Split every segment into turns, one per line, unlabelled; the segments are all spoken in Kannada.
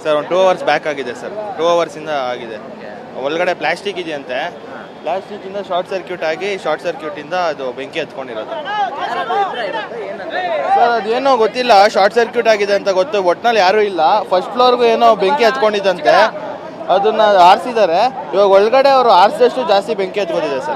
ಸರ್ ಒಂದು 2 ಅವರ್ಸ್ ಬ್ಯಾಕ್ ಆಗಿದೆ ಸರ್. 2 ಅವರ್ಸಿಂದ ಆಗಿದೆ. ಒಳಗಡೆ ಪ್ಲಾಸ್ಟಿಕ್ ಇದೆಯಂತೆ. ಪ್ಲಾಸ್ಟಿಕ್ಕಿಂದ ಶಾರ್ಟ್ ಸರ್ಕ್ಯೂಟ್ ಆಗಿ ಶಾರ್ಟ್ ಸರ್ಕ್ಯೂಟಿಂದ ಅದು ಬೆಂಕಿ ಹತ್ಕೊಂಡಿರೋದು ಸರ್. ಅದೇನೋ ಗೊತ್ತಿಲ್ಲ, ಶಾರ್ಟ್ ಸರ್ಕ್ಯೂಟ್ ಆಗಿದೆ ಅಂತ ಗೊತ್ತು. ಒಟ್ನಲ್ಲಿ ಯಾರೂ ಇಲ್ಲ. ಫಸ್ಟ್ ಫ್ಲೋರ್ಗೂ ಏನೋ ಬೆಂಕಿ ಹತ್ಕೊಂಡಿದ್ದಂತೆ, ಅದನ್ನ ಆರಿಸಿದ್ದಾರೆ. ಇವಾಗ ಒಳಗಡೆ ಅವರು ಆರಿಸಿದಷ್ಟು ಜಾಸ್ತಿ ಬೆಂಕಿ ಹತ್ಕೊಂಡಿದೆ ಸರ್.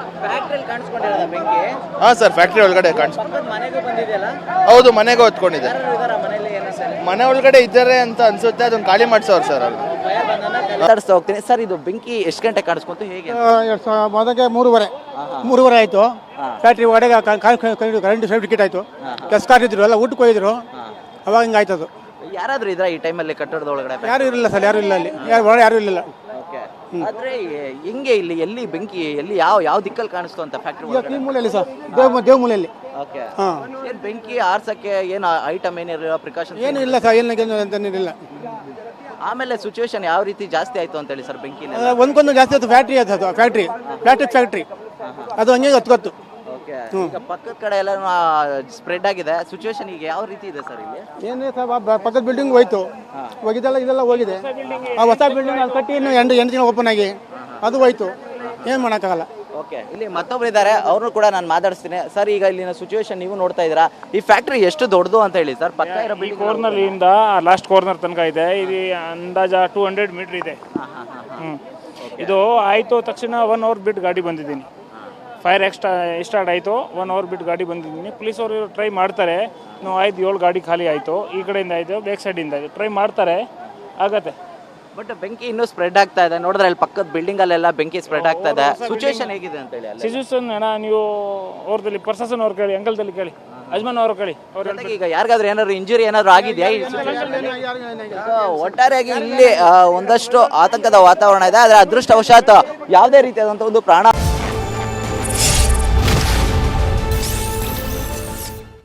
ಹಾಂ ಸರ್, ಫ್ಯಾಕ್ಟ್ರಿ ಒಳಗಡೆ ಹೌದು, ಮನೆಗೂ ಹೊತ್ಕೊಂಡಿದೆ. ಮನೆ ಒಳಗಡೆ ಇದ್ದಾರೆ ಅಂತ ಅನ್ಸುತ್ತೆ. ಅದನ್ನ ಖಾಲಿ ಮಾಡಿಸೋರು ಸರ್. ಅಲ್ಲಿ
ಮಾತಾಡಿಸ್ತಾ ಹೋಗ್ತೀನಿ ಸರ್. ಇದು ಬೆಂಕಿ ಎಷ್ಟು ಗಂಟೆ ಕಾಣಿಸ್ಕೊಂತು, ಹೇಗೆ?
ಮೊದಲಿಗೆ 3:30 ಆಯಿತು. ಫ್ಯಾಕ್ಟ್ರಿ ಒಳಗೆ ಕರೆಂಟ್ ಸರ್ಟಿಫಿಕೇಟ್ ಆಯಿತು. ಕೆಲಸಗಾರರು ಇದ್ರು, ಎಲ್ಲ ಊಟಕ್ಕೆ ಹೋಗಿದ್ರು. ಅವಾಗ ಹಿಂಗೆ ಆಯ್ತದು.
ಯಾರಾದ್ರೂ ಇದ್ರ ಈ ಟೈಮಲ್ಲಿ ಕಟ್ಟಡದ ಒಳಗಡೆ?
ಯಾರು ಇರಲಿಲ್ಲ ಸರ್, ಯಾರು ಇಲ್ಲ ಅಲ್ಲಿ, ಯಾರು ಇರಲಿಲ್ಲ.
ಆದ್ರೆ ಹೆಂಗೆ ಇಲ್ಲಿ ಎಲ್ಲಿ ಬೆಂಕಿ ಎಲ್ಲಿ ಯಾವ ದಿಕ್ಕಲ್ಲಿ ಕಾಣಿಸ್ತು ಅಂತ ಫ್ಯಾಕ್ಟ್ರಿ?
ಈ ಮೂಲೆಯಲ್ಲಿ ಸರ್, ದೇವ್ ಮೂಲೆಯಲ್ಲಿ. ಹಾಂ,
ಏನು ಬೆಂಕಿ ಆರ್ಸಕ್ಕೆ ಏನು ಐಟಮ್ ಏನಿರಲಿಲ್ಲ, ಪ್ರಿಕಾಷನ್
ಏನು ಇಲ್ಲ ಸರ್, ಏನಿಲ್ಲ.
ಆಮೇಲೆ ಸಿಚುವೇಶನ್ ಯಾವ ರೀತಿ ಜಾಸ್ತಿ ಆಯ್ತು ಅಂತ ಹೇಳಿ ಸರ್ ಬೆಂಕಿ?
ಒಂದ್ಕೊಂದು ಜಾಸ್ತಿ ಆಯ್ತು. ಫ್ಯಾಕ್ಟ್ರಿ ಅದು, ಪ್ಲಾಸ್ಟಿಕ್ ಫ್ಯಾಕ್ಟ್ರಿ ಅದು ಹಂಗೆ ಹತ್ತು.
ಈಗ ಪಕ್ಕದ ಕಡೆ ಎಲ್ಲ ಸ್ಪ್ರೆಡ್ ಆಗಿದೆ. ಸಿಚುವೇಶನ್ ಈಗ ಯಾವ ರೀತಿ ಇದೆ ಸರ್ ಇಲ್ಲಿ?
ಏನೇ ಸರ್, ಪಕ್ಕದ ಬಿಲ್ಡಿಂಗ್ ಹೋಯ್ತು, ಇದೆಲ್ಲ ಹೋಗಿದೆ. ಆ ಹೊಸ ಬಿಲ್ಡಿಂಗ್ ಅದು ಕಟ್ಟಿ ಇನ್ನು 8 ದಿನ ಓಪನ್ ಆಗಿ ಅದು ಹೋಯ್ತು. ಏನು ಮಾಡೋಕ್ಕಾಗಲ್ಲ.
ಓಕೆ, ಇಲ್ಲಿ ಮತ್ತೊಬ್ರು ಇದ್ದಾರೆ, ಅವ್ರನ್ನು ಕೂಡ ನಾನು ಮಾತಾಡಿಸ್ತೀನಿ. ಸರ್, ಈಗ ಇಲ್ಲಿನ ಸಿಚುವೇಶನ್ ನೀವು ನೋಡ್ತಾ ಇದ್ದೀರಾ. ಈ ಫ್ಯಾಕ್ಟ್ರಿ ಎಷ್ಟು ದೊಡ್ಡದು ಅಂತ ಹೇಳಿ ಸರ್? ಪಕ್ಕ ಇರೋ
ಈ ಕಾರ್ನರ್ ಇಂದ ಲಾಸ್ಟ್ ಕಾರ್ನರ್ ತನಕ ಇದೆ. ಇದು ಅಂದಾಜ 200 ಮೀಟರ್ ಇದೆ. ಇದು ಆಯಿತು ತಕ್ಷಣ 1 ಅವರ್ ಬಿಟ್ಟು ಗಾಡಿ ಬಂದಿದ್ದೀನಿ. ಫೈರ್ ಸ್ಟಾರ್ಟ್ ಆಯಿತು, 1 ಅವರ್ ಬಿಟ್ಟು ಗಾಡಿ ಬಂದಿದ್ದೀನಿ. ಪೊಲೀಸ್ ಅವರು ಟ್ರೈ ಮಾಡ್ತಾರೆ. ನಾವು 5-7 ಗಾಡಿ ಖಾಲಿ ಆಯಿತು. ಈ ಕಡೆಯಿಂದ ಆಯಿತು, ಬ್ಯಾಕ್ ಸೈಡಿಂದ ಆಯಿತು. ಟ್ರೈ ಮಾಡ್ತಾರೆ, ಆಗತ್ತೆ.
ಬಟ್ ಬೆಂಕಿ ಇನ್ನೂ ಸ್ಪ್ರೆಡ್ ಆಗ್ತಾ ಇದೆ. ನೋಡಿದ್ರೆ ಅಲ್ಲಿ ಪಕ್ಕದ ಬಿಲ್ಡಿಂಗ್ ಅಲ್ಲೆಲ್ಲ ಬೆಂಕಿ ಸ್ಪ್ರೆಡ್ ಆಗ್ತಾ ಇದೆ. ಸಿಚುವೇಶನ್ ಹೇಗಿದೆ ಅಂತ ಹೇಳಿ?
ಸಿಚುವೇಶನ್ ಅಣ್ಣ, ನೀವು ಅವ್ರದಲ್ಲಿ ಪ್ರಶಾಸನ ಅವ್ರು ಕೇಳಿ, ಅಂಕಲ್ದಲ್ಲಿ ಕೇಳಿ, ಯಜಮಾನ್ ಅವರು ಕೇಳಿ.
ಈಗ ಯಾರಿಗಾದ್ರೂ ಏನಾದ್ರು ಇಂಜುರಿ ಏನಾದ್ರು ಆಗಿದೆಯಾ? ಒಟ್ಟಾರೆಯಾಗಿ ಇಲ್ಲಿ ಒಂದಷ್ಟು ಆತಂಕದ ವಾತಾವರಣ ಇದೆ. ಆದರೆ ಅದೃಷ್ಟವಶಾತ್ ಯಾವುದೇ ರೀತಿಯಾದಂಥ ಒಂದು ಪ್ರಾಣ